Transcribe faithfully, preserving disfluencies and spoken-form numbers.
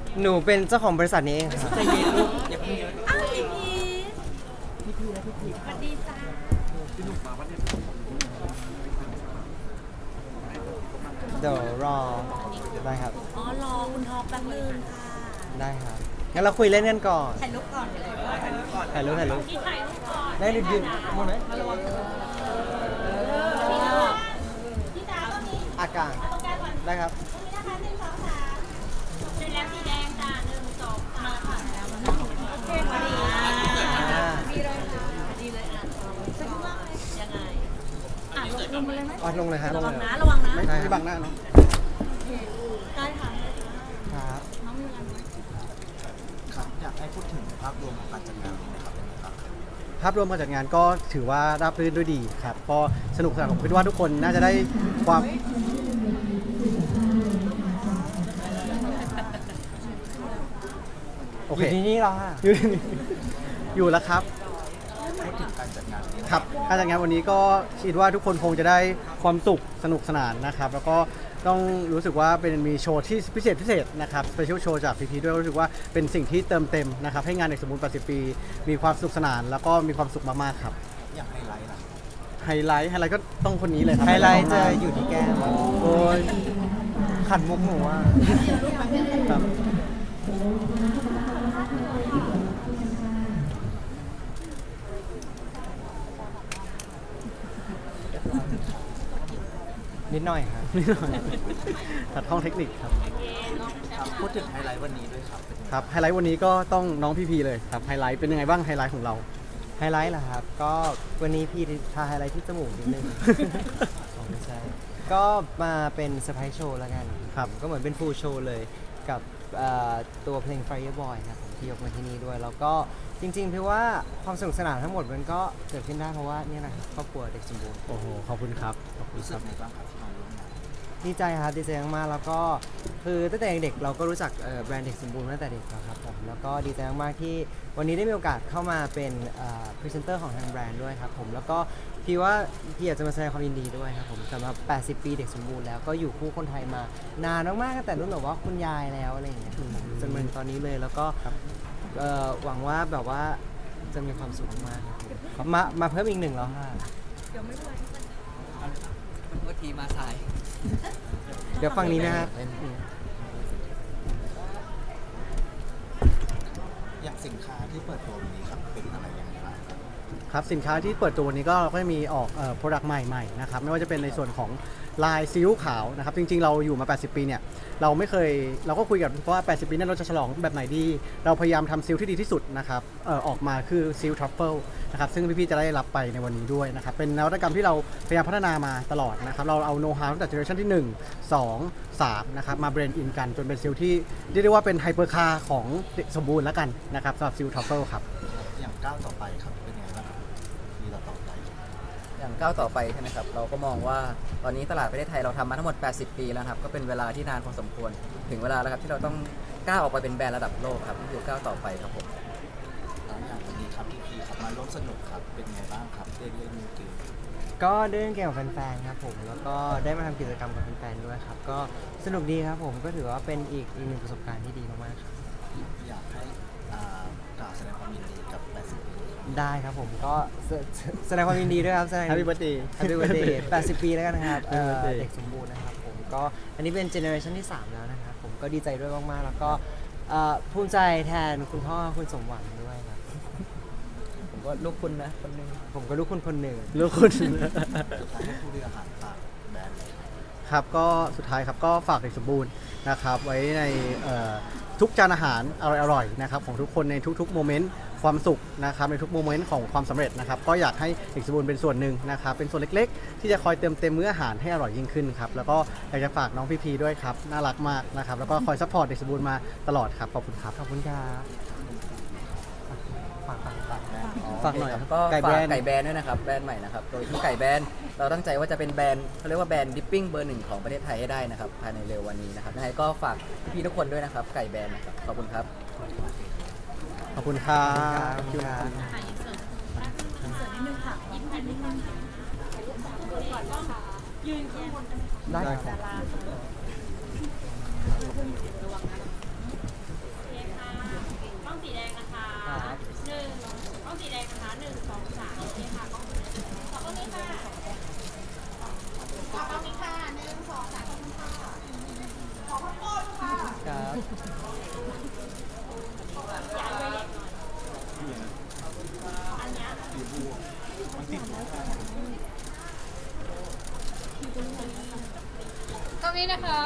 หนูเป็นเจ้าของบริษัทนี้เองครับใจเย็นลูกอย่าเพิ่งเยอะอ้าวพี่พีพี่พี่และพี่พี่สวัสดีจ้าพี่หนุ่มมาวันนี้เดี๋ยวรอได้ครับอ๋อรอคุณท็อปแป๊บนึงค่ะได้ครับงั้นเราคุยเล่นกันก่อนถ่ายรูปก่อนเลยถ่ายรูปก่อนถ่ายรูปถ่ายรูปพี่ถ่ายรูปก่อนได้ดิยืนมองไหมพี่ดาวก็มีอากาศตรงกลางก่อนได้ครับตรงนี้นะคะหนึ่งสองสามเสร็จแล้วสีแดงจ้าหนึ่งสองสามค่ะแล้วมันโอเคพอดีอ่าดีเลยค่ะดีเลยอ่ะสนุกมากเลยยังไงอ่ะลงลงมาเลยไหมอ๋อลงเลยฮะลระงวังเลยนะระวังนะไม่ไม่บังหน้าเนาะได้ค่ะครับน้องมีอะไรไหมครับอยากให้พูดถึงภาพรวมของการจัดงานนี้นะครับเป็นยังไงบ้างครับภาพรวมการจัดงานก็ถือว่าราบรื่นด้วยดีครับก็สนุกสนานผมคิดว่าทุกคนน่าจะได้ความโอเคอยู่ที่นี่เหรออยู่ที่นี่อยู่แล้วครับพูดถึงการจัดงานนี้ครับการจัดงานวันนี้ก็คิดว่าทุกคนคงจะได้ความสุขสนุกสนานนะครับ แล้วก็ต้องรู้สึกว่าเป็นมีโชว์ที่พิเศษพิเศษนะครับสเปเชียลโชว์จากพีพีด้วยก็รู้สึกว่าเป็นสิ่งที่เติมเต็มนะครับให้งานเด็กสมบูรณ์แปดสิบปี มีความสนุกสนาน แล้วก็มีความสุขมากๆครับอย่างไฮไลท์ล่ะไฮไลท์ไฮไลท์ก็ต้องคนนี้เลยครับไฮไลท์จะอยู่ที่แก้มโอ้ยขันมุกหนูอ่ะครับนิดหน่อยครับนิดหน่อยขัดห้องเทคนิคครับครับพูดถึงไฮไลท์วันนี้ด้วยครับเป็นยังไงครับไฮไลท์วันนี้ก็ต้องน้องพีพีเลยครับไฮไลท์เป็นยังไงบ้างไฮไลท์ของเราไฮไลท์เหรอครับ ก็วันนี้พี่ทาไฮไลท์ที่จมูกนิดนึง อ๋อไม่ใช่ ก็มาเป็นเซอร์ไพรส์โชว์แล้วกันครับก็เหมือนเป็นฟูลโชว์เลยกับเอ่อตัวเพลง Fireboy ครับผมที่ยกมาที่นี่ด้วย แล้วก็จริงๆพี่ว่าความสนุกสนานทั้งหมดมันก็เกิดขึ้นได้เพราะว่าเนี่ยนะครับครอบครัวเด็กสมบูรณ์โอ้โหขอบคุณครับขอบคุณรู้คสึกรับไงบ้างครับที่มาร่วมงานดีใจครับดีใจมากๆแล้วก็คือตั้งแต่เด็กๆเราก็รู้จักเอ่อแบรนด์เด็กสมบูรณ์มาตั้งแต่เด็กแล้วครับผมแล้วก็ดีใจมากๆที่วันนี้ได้มีโอกาสเข้ามาเป็นพรีเซนเตอร์ของทางแบรนด์ด้วยครับผมแล้วก็พี่ว่าพี่อยากจะมาแสดงความยินดีด้วยครับผมสำหรับ แปดสิบ ปีเด็กสมบูรณ์แล้วก็อยู่คู่คนไทยมานานมากๆตั้งแต่รุ่นแบบว่าคุณยายแล้วอะไรอย่างเงี้ยครับผมจนมาถึงตอนนี้เลยแล้วก็เอ่อหวังว่าแบบว่าจะมีความสุขมากๆครับผมมามาเพิ่มอีกหนึ่งแล้วค่ะเมื่อทีมาสายเดี๋ยวฟังนี้นะครับอย่างสินค้าที่เปิดตัววันนี้ครับเป็นอะไรยังไงบ้างครับครับสินค้าที่เปิดตัววันนี้ก็ก็จะมีออกเอ่อ product ใหม่ๆนะครับไม่ว่าจะเป็นในส่วนของลายซีอิ๊วขาวนะครับจริงๆเราอยู่มา แปดสิบ ปีเนี่ยเราไม่เคยเราก็คุยกับเพราะว่า แปดสิบ ปีนั้นเราจะฉลองแบบไหนดี เราพยายามทำซีอิ๊วที่ดีที่สุดนะครับเอ่อออกมาคือซีอิ๊วทรัฟเฟิลนะครับซึ่งพี่ๆจะได้รับไปในวันนี้ด้วยนะครับเป็นนวัตกรรมที่เราพยายามพัฒนามาตลอดนะครับเราเอาโน้ตฮาวตั้งแต่เจเนอเรชันที่หนึ่ง สอง สามนะครับมาเบรนด์อินกันจนเป็นซีอิ๊วที่เรียกได้ว่าเป็นไฮเปอร์คาร์ของเด็กสมบูรณ์แล้วกันนะครับสำหรับซีอิ๊วทรัฟเฟิลครับอย่างก้าวต่อไปครับเป็นยังไงบ้างครับปีต่อๆไปครับอย่างก้าวต่อไปใช่ไหมครับ เราก็มองว่าตอนนี้ตลาดประเทศไทยเราทำมาทั้งหมด แปดสิบ ปีแล้วครับ ก็เป็นเวลาที่นานพอสมควร ถึงเวลาแล้วครับที่เราต้องก้าวออกไปเป็นแบรนด์ระดับโลกครับนี่คือก้าวต่อไปครับผมแล้วอย่างวันนี้ครับพี่พีครับมาร่วมสนุกครับเป็นยังไงบ้างครับได้เล่นเกมก็ได้เล่นเกมกับแฟนๆครับผมแล้วก็ได้มาทำกิจกรรมกับแฟนๆด้วยครับก็สนุกดีครับผมก็ถือว่าเป็นอีกอีกหนึ่งประสบการณ์ที่ดีมากๆครับอยากให้อ่ากล่าวแสดงความยินดีกับ แปดสิบ ปีครับได้ครับผมก็แสแสดงความยินดีด้วยครับแสดง Happy birthday Happy birthday แปดสิบ ปีแล้วกันนะครับเอ่ Happy อ birthday เด็กสมบูรณ์นะครับผมก็อันนี้เป็นเจเนอเรชันที่สามแล้วนะครับผมก็ดีใจด้วยมากๆแล้วก็เอ่อภูมิใจแทนคุณพ่อคุณสมหวังด้วยครับผมก็ลูกคุณนะคนหนึงผมก็ลูกคุณคนหนึ่งลูกคุณสุดท้ายให้ผู้บริหารฝากแบรนด์เลยครับครับก็สุดท้ายครับก็ฝากเด็กสมบูรณ์นะครับไว้ในเอ่อทุกจานอาหารอร่อยๆนะครับของทุกคนในทุกๆโมเมนต์ความสุขนะครับในทุกโมเมนต์ของความสำเร็จนะครับก็อยากให้เด็กสมบูรณ์เป็นส่วนหนึ่งนะครับเป็นส่วนเล็กๆ ที่จะคอยเติมเต็มมื้ออาหารให้อร่อยยิ่งขึ้นครับแล้วก็อยากจะฝากน้องพีพีด้วยครับน่ารักมากนะครับแล้วก็คอยซัพพอร์ตเด็กสมบูรณ์มาตลอดครับขอบคุณครับขอบคุณครับฝากฝากฝากแบรนด์อ๋อฝากหน่อยครับครับก็ไก่ฝาแบรกนด์ไก่แบรนด์ด้วยนะครับแบรนด์ใหม่นะครับโดยที่ไก่แบรนด์เราตั้งใจว่าจะเป็นแบรนด์เขาเรียกว่าแบรนด์ดิปปิ้งเบอร์หนึ่งของประเทศไทยให้ได้นะครับภายในเร็ววันนี้นะครับยังไงก็ฝากพี่ๆทุกคนด้วยนะครับไก่แบรนด์นะครับขอบคุณครับขอบคุณครับขอบคุณครับถ่ายอินเสิร์ตอินเสิร์ตนิดนึงค่ะยิ้มแผ่นนิดนึงค่ะยืนข้างบนกันได้ได้คครัรับบระวังนะรงนี้นะครับ